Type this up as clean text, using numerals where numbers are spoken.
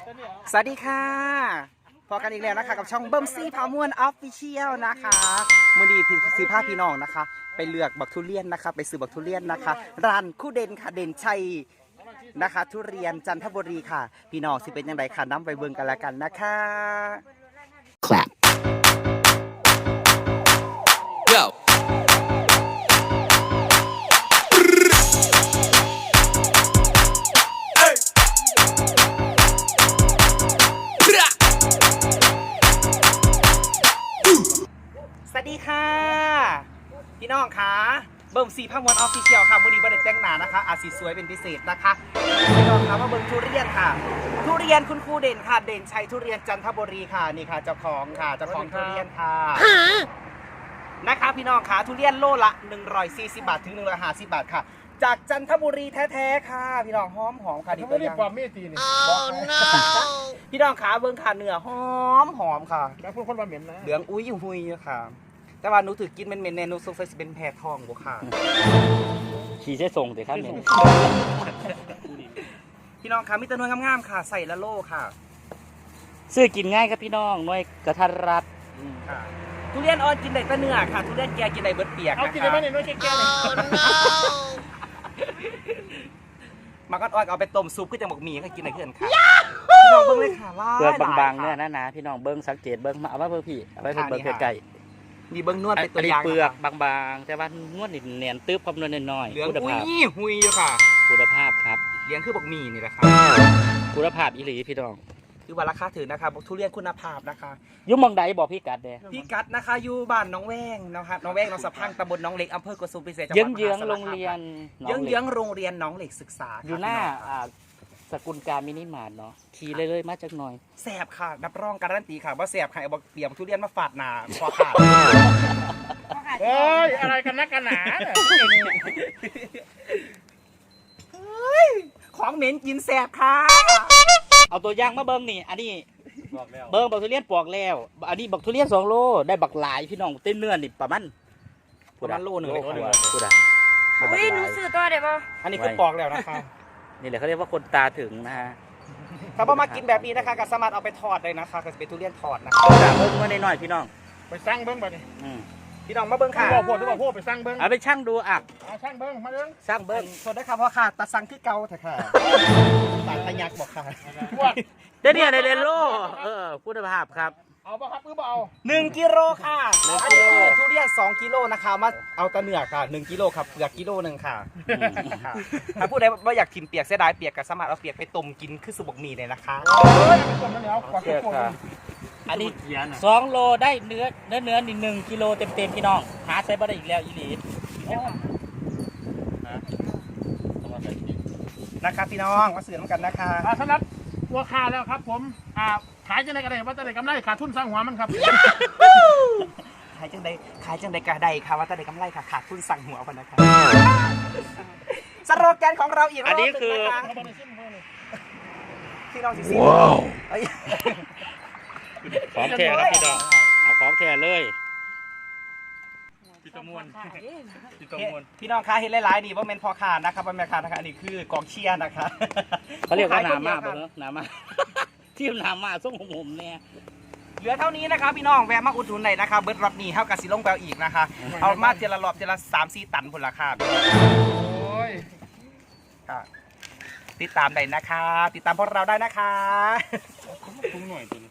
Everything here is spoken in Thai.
สวัสดีค่ะพอกันอีกแล้วนะคะกับช่องเบิ้มซี่พามวนออฟฟิเชียลนะคะมือดีซื้อผ้าพี่น้องนะคะไปเลือกบักทุเรียนนะคะไปซื้อบักทุเรียนนะคะร้านคู่เด่นค่ะเด่นชัยนะคะทุเรียนจันทบุรีค่ะพี่น้องสิเป็นยังไงค่ะน้ำไปเบิ่งกันแล้วกันนะคะ Clap. Go. สวัสดีค่ะพี่น้องค่ะเบิ่มซีพามวนออฟฟิเชียลค่ะวันนี้บันเด็แต่งหน้านะคะอาจสีสวยเป็นพิเศษนะคะพี่น้องค่ะมาเบิ่งทุเรียนค่ะทุเรียนคุณครูเด่นค่ะเด่นชัยทุเรียนจันทบุรีค่ะนี่ค่ะเจ้าของค่ะเจ้าของทุเรียนค่ะนะคะพี่น้องค่ะทุเรียนโลละ140 บาทถึง150 บาทค่ะจากจันทบุรีแท้ๆค่ะพี่น้องหอมค่ะดีเขาตัไม่วได้อย่างความเมตตีนี่พี่น้องขาเบิ่งขาเนื้อหอมค่ะแล้วพูดคนว่าเหม็นนะเหลืองอุ้ยหุยค่ะ แต่ว่าหนูถือกินเป็นแนนูโซเฟสเป็นแพรทองบ่ค่ะขี่ใช้ส่งแต่ครับเนี่ยพี่น้องขามีแตะนวยงามๆค่ะใส่ละโลค่ะซื้อกินง่ายครับพี่น้องหน่วยกระทัดรัดค่ะทุเรียนอ่อนกินได้แต่เนื้อค่ะทุเรียนแก่กินได้เบิดเปียกเอานะกินได้คะไหมเนี่ยน้อยแก่ๆเลยมันก็อ่อนเอาไปต้มซุปก็จะหมกหมี่ให้กินได้เพื่อนค่ะพี่น้องเบิ่งเลยค่ะล่าเปลือกบางๆเนี่ยนะพี่น้องเบิ้งสังเกตเบิ้งมาเอาไว้เพื่อพี่เอาไว้เพื่อเบิ้งไกลนี่เบิ่งนวดๆเป็นตัอัวนนี้อย่างเปลือกบางๆ แต่ว่านวดนี่เนียนตึ๊บคำนวณน้อยเหลืองๆคุณอุ้ภาพยหุยอยู่ค่ะคุณภาพครับเหลืองคือบักหมี่นี่แหละค่ะคุณภาพอีหลีพี่น้องคือว่าราคาถือนะคะทุเรียนคุณภาพนะคะยุ่มมองใดบอกพี่กัดเด้พี่กัดนะคะอยู่บ้านน้องแวงนะครับน้องแวงน้องสะพังตำบลน้องเหล็กอำเภอกระสุมพิเศษจังหวัดเยื้องมหาสารๆโรงคามเรียนเยื้องๆโรงเรียนน้องเหล็กศึกษาอยู่หน้าสกุลการมินิมาร์ทเนาะขี่เลยๆมาจากหน่อยแสบค่ะนับรองการันตีค่ะว่าแสบค่ะเอาบอกเตรียมทุเรียนมาฝาดหนาคอขาดเฮ้ยอะไรกันนักกันหนาเนี่ยของเหม็นกินแสบค่ะเอาตัวอย่างมาเบิ้งนี่อันนี้เบิ้งบักทุเรียนปอกแล้ว อันนี้บักทุเรียน2 โลได้บักหลายพี่น้องเต้นเนื้อนี่ประมาณประมาณโลนึงเลยพูดอะอุ้ยหนูซื้อตัวเดี๋ยวบ่อันนี้คือปอกแล้วนะคะนี่แหละเขาเรียกว่าคนตาถึงนะฮะถ้าพอมากินแบบนี้นะคะก็สามารถเอาไปทอดได้นะคะก็จะเป็นทุเรียนทอดนะคะด่าเบิ้งมาหน่อยๆพี่น้องไปสร้างเบิ้งไปดิอืมพี่น้องมาเบิ้งค่ะบอกพวกที่บอกพวกไปสร้างเบิ้งเอาไปช่างดูอ่ะเอาช่างเบิ้งมาเบิ้งช่างเบิ้งสดได้ค่ะเพราะค่ะตาสังคือเกาแท้ค่ะตาตะยักบอกค่ะพวกเดี๋ยวเนี่ยในเรนโลคุณภาพครับเอาปะครับหรือเปล่า 1 กิโลค่ะอันนี้คือทุเรียน2 กิโลนะคะมาเอาแตะเนื้อค่ะ1 กิโลครับเปลือกกิโลนึงค่ะ ค่ะถ้าพูดได้ว่าอยากกินเปียกเสียดายเปียกก็สามารถเอาเปียกไปต้มกินคือสุบกหมี่เลยนะคะเฮ้ยคนนั้นแล้วขอเชื่อโทษค่ะอันนี้2 โลได้เนื้อนี่1 กิโลเต็มๆพี่น้องหาใช้บ่ได้อีกแล้วอีหลีนะคะพี่น้องมาซื้อน้ำกันนะคะสำหรับตัวค่าแล้วครับผมขายจะได้กระไรว่าจะได้กำไรขาดทุนสร้างหัวมันครับขายจังใดกะใดค่ะว่าแต่ใดกำไรค่ะขาดทุนสั่งหัวพนนะคะสโลแกนของเราอีกรอบหนึงนะคะพี่น้องสิสิเอ้ยของแท้ครับพี่น้องเอาของแท้เลยพี่ตะมวนพี่น้องคะเห็นหลายๆนี่ว่าเมนพอขาดนะครับว่าแม่ขาดนะคะอันนี้คือกองเชียร์นะคะเขาเรียกว่าหนามาบ่เนอะหนามา ที่หนามาส่งผมเนี่ยเหลือเท่านี้นะคะพี่น้องแวะมาอุดหนุนหน่อยนะคะเบิร์ดรถนี่เท่ากับสีลงแปลอีกนะคะเอามาเจละรอบเจละ3-4 ตันผลราคาพี่น้องโอ้ยค่ะติดตามได้นะคะ ติดตามพวกเราได้นะคะคุ้มหน่อยตัว